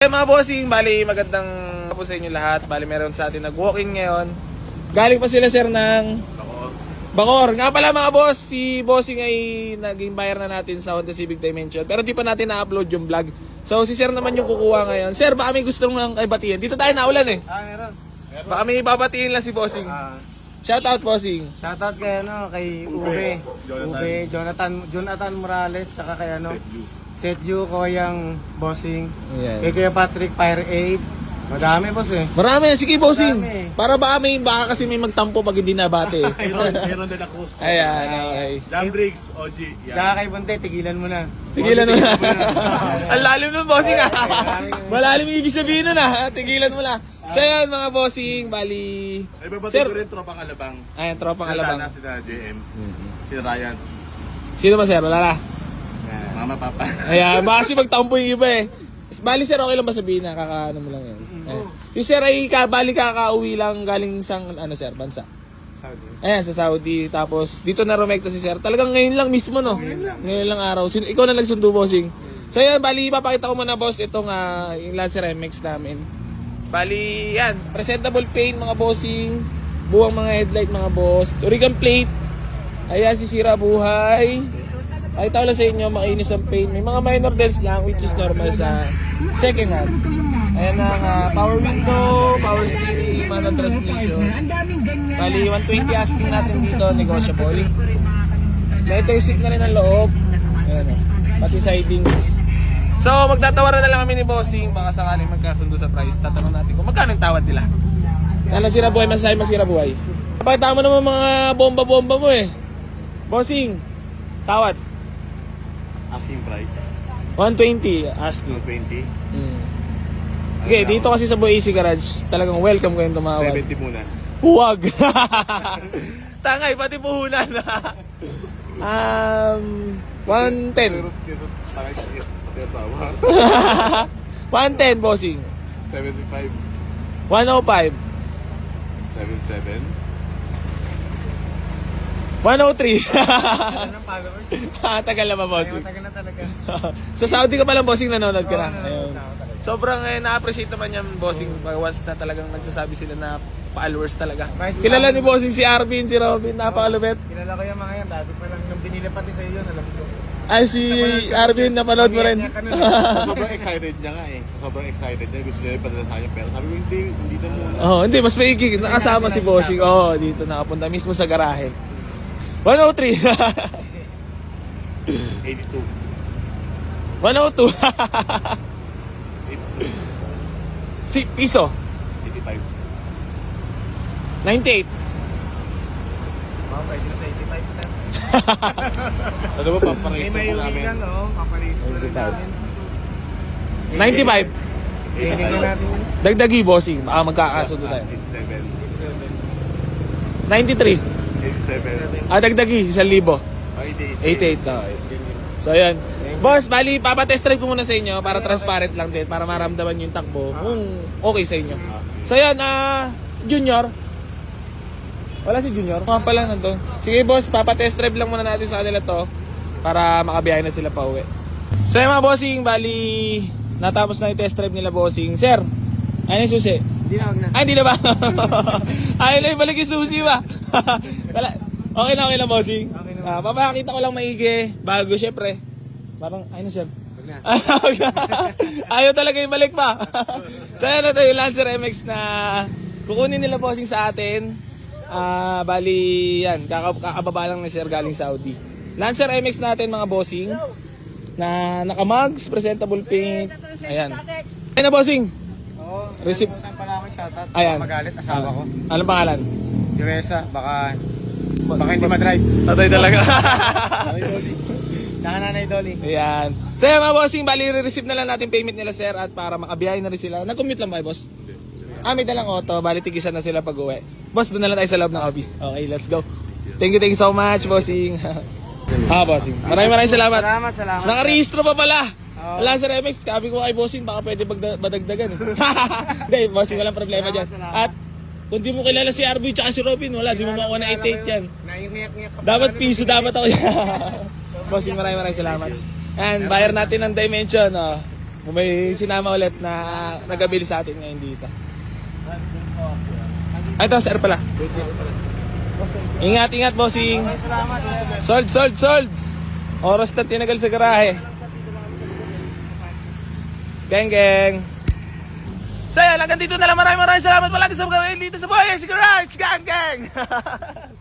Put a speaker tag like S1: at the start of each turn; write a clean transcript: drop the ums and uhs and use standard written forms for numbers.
S1: Mga bossing, bali magandang po sa inyo lahat. Bali meron sa atin nag-walking ngayon. Galing pa sila sir ng Bacoor. Nga pala mga boss, si bossing ay naging buyer na natin sa Honda Civic Dimension. Pero di pa natin na-upload yung vlog. So si sir naman yung kukuha ngayon. Sir, baka may gusto nang batiin. Dito tayo naulan eh.
S2: Meron.
S1: Baka may babatiin lang si bossing. Shout out bossing.
S2: Shoutout kay kay Ube. Jonathan Morales, tsaka kay Setju, Koyang, Bossing.
S1: Ayan.
S2: Kay Kuya Patrick, Fire 8. Madami boss eh.
S1: Marami, sige bossing.
S2: Marami.
S1: Para baka kasi may magtampo pag hindi nabate.
S3: Meron din ako.
S1: Ayan, okay.
S3: Jam Briggs, OG. Yan.
S2: Tsaka kay Bunte, tigilan mo na.
S1: Tigilan mo na. Ang lalim nun, bossing ah. Malalim yung ibig sabihin nun ah. Tigilan mo na. So yan mga bossing, bali...
S3: Ay, babati
S1: Sir.
S3: ko rin tropang alabang.
S1: Ayan, tropang
S3: Sila
S1: alabang.
S3: Dana, sila JM. Sila Ryan.
S1: Sino ba sir? Wala na.
S3: Mama, Papa.
S1: Ayan, baka kasi magtampo yung iba eh. Bali sir, okay lang ba sabihin na kakaano mo lang yan? Ayan. Yung sir ay bali kakauwi lang galing sa sir, bansa.
S2: Saudi.
S1: Ayan, sa Saudi. Tapos dito na rumekta si sir. Talagang ngayon lang mismo no? Ngayon lang araw. Ikaw na nagsundo bossing. So yan, bali ipapakita ko muna boss itong yung Lancer MX namin. Bali yan, presentable paint mga bossing. Buwang mga headlight mga boss. Origan plate. Ayan, sisira buhay. Ay tawala sa inyo, makinis ang paint. May mga minor dents lang which is normal sa second hand. Ayan ang power window, power steering, manual transmission. Bali 120 asking natin dito, negotiable. Leather seat na rin ang loob. Ayan o, pati sidings. So magtatawaran na lang kami ni Bossing. Baka sakaling magkasundo sa price. Tatanong natin kung magkano yung tawad nila. Sana sira buhay, masasabi masira buhay. Pakita mo naman mga bomba-bomba mo eh. Bossing, tawad.
S3: Asking price.
S1: 120 asking.
S3: 120.
S1: Okay, dito kasi sa Boy AC Garage, talagang welcome kayong tumawad.
S3: 70 muna.
S1: Huwag! Tangay, pati puhunan. 110.
S3: Kesa takay siya. Pati asawa.
S1: 110, bossing.
S3: 75.
S1: 105.
S3: 77.
S1: 103.
S2: Ano ng followers?
S1: Tagal na ba,
S2: Ay,
S1: bossing?
S2: matagal na talaga.
S1: Sa Saudi ka palang, bossing, nanonood ka na.
S2: Oo,
S1: Ayun.
S2: nanonood na ako talaga.
S1: Sobrang na-appreciate naman yan, bossing. Once na talagang nagsasabi sila na followers talaga.
S2: Right.
S1: Kilala ni bossing si Arvin, si Robin, napakalupit.
S2: Kilala ko yung mga yan. Dati pa lang, nung binili pati sa iyo, alam ko.
S1: Ay, si Arvin, napanood mo rin.
S3: Sobrang excited niya nga eh. Sobrang excited niya. Gusto niya ipadala sa akin. Pero sabi ko, hindi na muna.
S1: Oh, hindi, mas maigi. Nakasama si bossing. Oh, dito nakapunta mismo sa garahe. 103.
S3: 82.
S1: 102.
S3: 82.
S1: Si piso.
S3: 85.
S1: 98.
S2: Pwede na sa 85 sir.
S3: Ano ba, paparehistro
S2: May
S3: po namin?
S2: uwi lang, no? Paparehistro na rin namin.
S1: 95.
S2: Hiling na natin yun.
S1: Dagdagi bossing. Baka magkakasundo tayo.
S3: 87.
S1: 93.
S3: 87.
S1: Dagdagi 1,000.
S3: 88.
S1: 88 na. So ayan. Boss, bali papatest drive ko muna sa inyo para transparent lang din, para maramdaman yung takbo kung okay sa inyo. So ayan, Junior. Wala si Junior. Mga pala nandun. Sige boss, papatest drive lang muna natin sa kanila to para makabiyahe na sila pa uwi. So ayan mga bossing, bali natapos na yung test drive nila bossing. Sir, ano yung susi?
S2: Hindi na, wag na.
S1: Ay, hindi na ba? Ayaw na ibalik yung susi ba? Okay na bossing.
S2: Okay na.
S1: Papakita ko lang maigi. Bago syempre. Parang, ayun na sir.
S2: Wag na.
S1: Ayaw talaga ibalik pa. So yan na yung Lancer MX na kukunin nila bossing sa atin. Bali, yan. Kakababa lang na sir galing Saudi. Lancer MX natin mga bossing. Na naka-mugs, presentable paint. Ayan. Ayun na bossing.
S2: Oo.
S1: Receipt.
S2: Nakalimutan pala ako yung shoutout.
S1: Ayan.
S2: Magalit, asawa ko.
S1: Anong pangalan?
S2: Teresa, baka hindi ma-drive.
S1: Tatay talaga.
S2: Nanay Dolly.
S1: Ayan. So yan mga bossing, bali re-receive na lang natin payment nila sir at para makabiyahe na rin sila. Nag-commute lang ba boss? May dalang auto, bali tigisan na sila pag uwi. Boss, doon na lang tayo sa loob ng office. Okay, let's go. Thank you so much bossing. Bossing. Maraming salamat.
S2: Salamat.
S1: Nakarehistro pa pala. Wala sa MX, sabi ko kay bossing baka pwede badagdagan. Hindi, bossing walang problema dyan. At kung di mo kilala si Arby at si Robin, wala, di mo makuha na 88 yan.
S2: Naiiyak-iyak ka pa.
S1: Dapat piso, dapat ako yan. Bossing, maraming salamat. And buyer natin ng Dimension. May sinama ulit na nagabili sa atin ngayon dito. Ay, ito, sir pala. Ingat, ingat, bossing. Sold. Oras na tinagal sa garahe. Geng. So, yan, hanggang dito na lang. Maraming salamat palagi sa mga dito sa Boy Garage. Gang.